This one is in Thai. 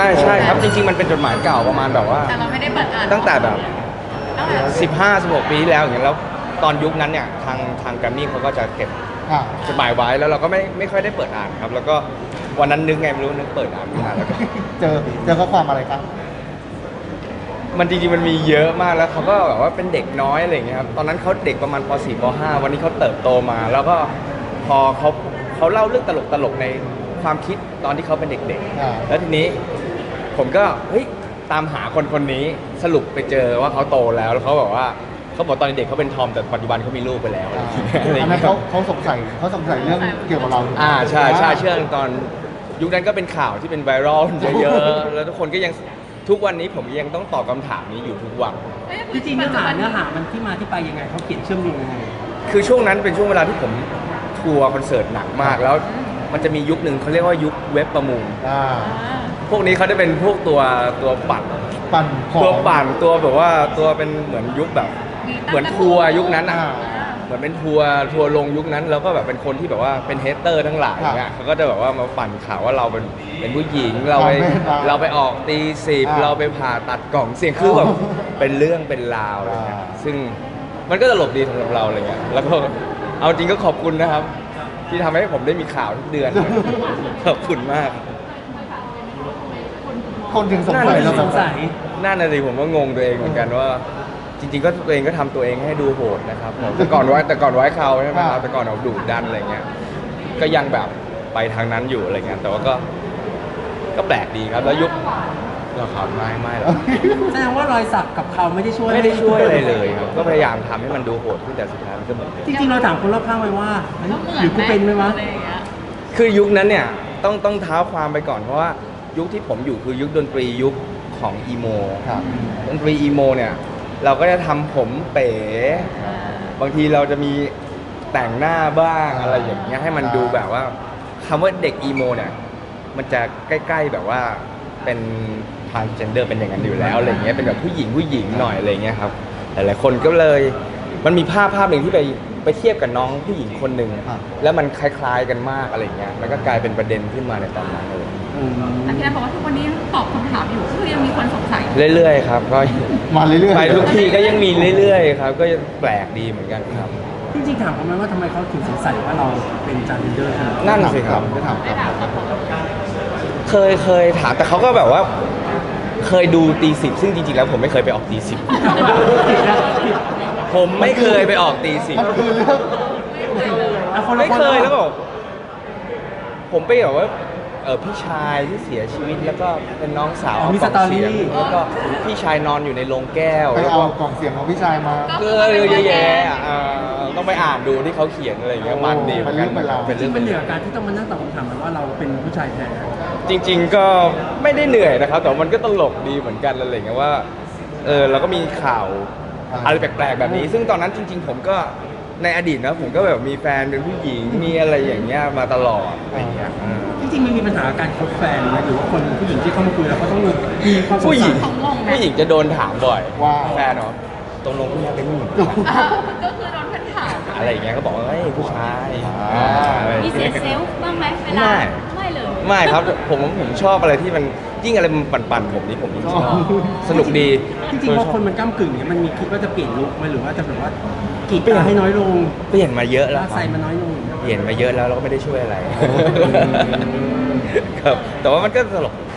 ใช่ครับจริงๆมันเป็นจดหมายเก่าประมาณแบบว่าแต่เราไม่ได้เปิดอ่านตั้งแต่แบบตั้งแต่ 15-16 ปีที่แล้วอย่างเงี้ยแล้วตอนยุคนั้นเนี่ยทางแกรมมี่เขาก็จะเก็บจดหมายไว้แล้วเราก็ไม่ค่อยได้เปิดอ่านครับแล้วก็วันนั้นนึกไงไม่รู้นึกเปิดอ่านไม่นานแล้วก็เจอข้อความอะไรครับมันจริงๆมันมีเยอะมากแล้วเขาก็แบบว่าเป็นเด็กน้อยอะไรอย่างเงี้ยครับตอนนั้นเขาเด็กประมาณป .4 ป .5 วันนี้เขาเติบโตมาแล้วก็พอเขาเล่าเรื่องตลกในความคิดตอนที่เขาเป็นเด็กๆแล้วทีนี้ผมก็เฮ้ยตามหาคนนี้สรุปไปเจอว่าเขาโตแล้วเขาบอกว่าเขาบอกตอนเด็กเขาเป็นทอมแต่ปัจจุบันเขามีลูกไปแล้วอะไรอย่างเงี้ยอันนั้นเขาสงสัยเรื่องเกี่ยวกับเราใช่เชื่อตอนยุคนั้นก็เป็นข่าวที่เป็นไวรัลเยอะๆแล้วทุกคนก็ยังทุกวันนี้ผมยังต้องตอบคำถามนี้อยู่ทุกวันจริงๆเนื้อหามันที่มาที่ไปยังไงเขาเขียนเชื่อมโยงยังไงคือช่วงนั้นเป็นช่วงเวลาที่ผมทัวร์คอนเสิร์ตหนักมากแล้วมันจะมียุคหนึ่งเขาเรียกว่ายุคเว็บประมูลพวกนี้เขาจะเป็นพวกตัวปั่นตัวปั่นตัวแบบว่าตัวเป็นเหมือนยุคแบบเหมือนทัวร์ยุคนั้นเหมือนเป็นทัวร์ลงยุคนั้นแล้วก็แบบเป็นคนที่แบบว่าเป็นเฮเตอร์ทั้งหลายเนี่ยเขาก็จะแบบว่ามาปั่นข่าวว่าเราเป็นผู้หญิงเราไปออกตี10เราไปผ่าตัดกล่องเสียงคือแบบเป็นเรื่องเป็นราวอะไรเงี้ยซึ่งมันก็ตลกดีสำหรับเราอะไรเงี้ยแล้วก็เอาจริงก็ขอบคุณนะครับที่ทำให้ผมได้มีข่าวทุกเดือนขอบคุณมากคนถึงสงสัยนั่นน่ะสิผมก็งงตัวเองเหมือนกันว่าจริงๆก็ตัวเองก็ทำตัวเองให้ดูโหดนะครับแต่ก่อนไว้เขาใช่ไหมครับแต่ก่อนเราดุดันอะไรเงี้ยก็ยังแบบไปทางนั้นอยู่อะไรเงี้ยแต่ว่าก็แปลกดีครับแล้วยุคเราข่าวไม่หรอกแสดงว่ารอยสักกับเขาไม่ได้ช่วยอะไรเลยครับก็พยายามทำให้มันดูโหดขึ้นแต่สุดท้ายมันก็เหมือนจริงๆเราถามคนรอบข้างไว้ว่าหรือกูเป็นไหมวะคือยุคนั้นเนี่ยต้องเท้าความไปก่อนเพราะว่ายุคที่ผมอยู่คือยุคดนตรียุคของอีโมดนตรีอีโมเนี่ยเราก็จะทำผมเป๋บางทีเราจะมีแต่งหน้าบ้างอะไรอย่างเงี้ยให้มันดูแบบว่าคำว่าเด็กอีโมเนี่ยมันจะใกล้ๆแบบว่าเป็นทรานส์เจนเดอร์เป็นอย่างนั้นอยู่แล้วอะไรเงี้ยเป็นแบบผู้หญิงหน่อยอะไรเงี้ยครับหลายๆคนก็เลยมันมีภาพหนึ่งที่ไปเทียบกับน้องผู้หญิงคนหนึ่งแล้วมันคล้ายๆกันมากอะไรเงี้ยมันก็กลายเป็นประเด็นขึ้นมาในตอนนั้นเลยแต่พี่แอนบอกว่าทุกวันนี้ตอบคำถามอยู่คือยังมีคนสงสัยเรื่อยๆครับก็มาเรื่อยๆไปทุกทีก็ยังมีเรื่อยๆครับก็แปลกดีเหมือนกันครับจริงๆถามเขาไหมว่าทำไมเขาถึงสงสัยว่าเราเป็นจาร์เดอร์นั่นสิครับไม่ถามเคยถามแต่เขาก็แบบว่าเคยดูตี10ซึ่งจริงๆแล้วผมไม่เคยไปออกตี10ผมไม่เคยไปออกตี10ไม่เคยแล้วบอกผมไปแบบว่าพี่ชายที่เสียชีวิตแล้วก็เป็นน้องสาวมีสตอรี่แล้วก็พี่ชายนอนอยู่ในโรงแก้วไปเอากล่องเสียงของพี่ชายมาเยอะแยะต้องไปอ่านดูที่เขาเขียนอะไรอย่างเงี้ยมันดีเป็นเรื่องเป็นเรื่องเป็นเหนือการที่ต้องมานั่งตอบคำถามว่าเราเป็นผู้ชายแท้จริงๆก็ไม่ได้เหนื่อยนะครับแต่มันก็ตลกดีเหมือนกันอะไรอย่างเงี้ยว่าเราก็มีข่าวอะไรแปลกๆแบบนี้ซึ่งตอนนั้นจริงๆผมก็ในอดีตนะผมก็แบบมีแฟนเป็นผู้หญิงมีอะไรอย่างเงี้ยมาตลอดอะไรอย่างเงี้ยจริงๆมันมีปัญหาการคบแฟนไหมหรือว่าคนผู้หญิงที่เข้ามาคุยเราก็ต้องมีความผู้หญิงจะโดนถามบ่อยว่าแฟนเหรอตรงลงพี่เป็นผู้หญิงก็คือโดนเพื่อนถามอะไรอย่างเงี้ยก็บอกว่าเฮ้ยผู้ชายมีเสียเซลล์บ้างไหมเวลาไม่เลยไม่ครับผมชอบอะไรที่มันยิ่งอะไรมันปั่นผมนี่ผมยิ่งชอบสนุกดีจริงๆพอคนมันก้ำกึ่งเนี่ยมันมีคิดว่าจะเปลี่ยนลุคไหมหรือว่าจะแบบว่ากีดกันให้น้อยลงเปลี่ยนมาเยอะแล้วใส่มาน้อยลงเปลี่ยนมาเยอะแล้วเราก็ไม่ได้ช่วยอะไรครับแต่ว่ามันก็ตลก